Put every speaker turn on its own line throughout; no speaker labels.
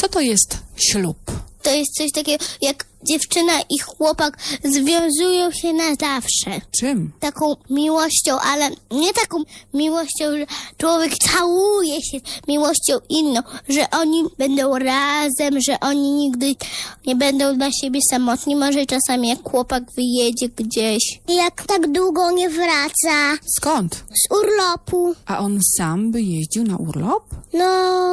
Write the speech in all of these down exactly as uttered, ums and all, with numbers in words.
Co to jest ślub?
To jest coś takiego, jak dziewczyna i chłopak związują się na zawsze.
Czym?
Taką miłością, ale nie taką miłością, że człowiek całuje się miłością inną, że oni będą razem, że oni nigdy nie będą dla siebie samotni. Może czasami jak chłopak wyjedzie gdzieś. Jak tak długo nie wraca
Skąd?
z urlopu.
A on sam by jeździł na urlop?
No,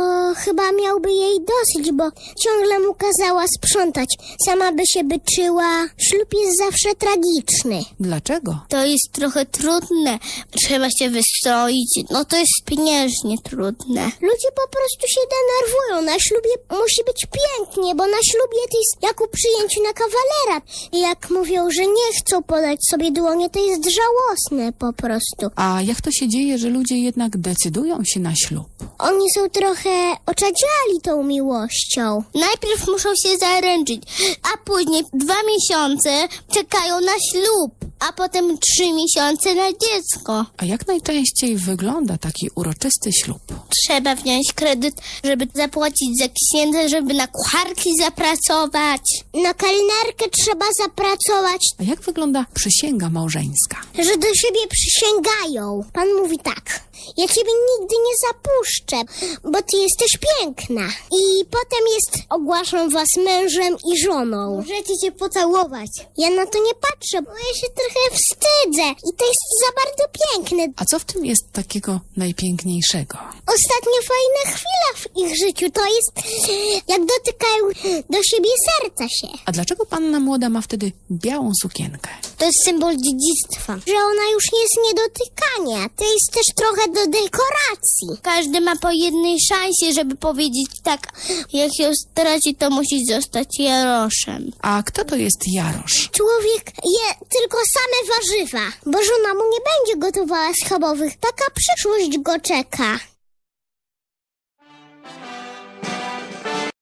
chyba miałby jej dosyć, bo ciągle mu kazała sprzątać. Sama by się byczyła. Ślub jest zawsze tragiczny.
Dlaczego?
To jest trochę trudne. Trzeba się wystroić. No to jest pieniężnie trudne. Ludzie po prostu się denerwują. Na ślubie musi być pięknie, bo na ślubie to jest jak u przyjęciu na kawalera. I jak mówią, że nie chcą podać sobie dłonie, to jest żałosne po prostu.
A jak to się dzieje, że ludzie jednak decydują się na ślub?
Oni są trochę oczadziali tą miłością. Najpierw muszą się zaręczyć, a później dwa miesiące czekają na ślub, a potem trzy miesiące na dziecko.
A jak najczęściej wygląda taki uroczysty ślub?
Trzeba wziąć kredyt, żeby zapłacić za księdza, żeby na kucharki zapracować. Na kelnerkę trzeba zapracować.
A jak wygląda przysięga małżeńska?
Że do siebie przysięgają. Pan mówi tak: ja ciebie nigdy nie zapuszczę, bo ty jesteś piękna. I potem jest: ogłaszam was mężem i żoną. Możecie się pocałować. Ja na to nie patrzę, bo ja się trochę wstydzę. I to jest za bardzo piękne.
A co w tym jest takiego najpiękniejszego?
Ostatnio fajna chwila w ich życiu to jest, jak dotykają do siebie serca się.
A dlaczego panna młoda ma wtedy białą sukienkę?
To jest symbol dziedzictwa. Że ona już nie jest nie dotykania. To jest też trochę do dekoracji. Każdy ma po jednej szansie, żeby powiedzieć tak: jak ją straci, to musi zostać Jaroszem.
A kto to jest Jarosz?
Człowiek je tylko same warzywa, bo żona mu nie będzie gotowała schabowych. Taka przyszłość go czeka.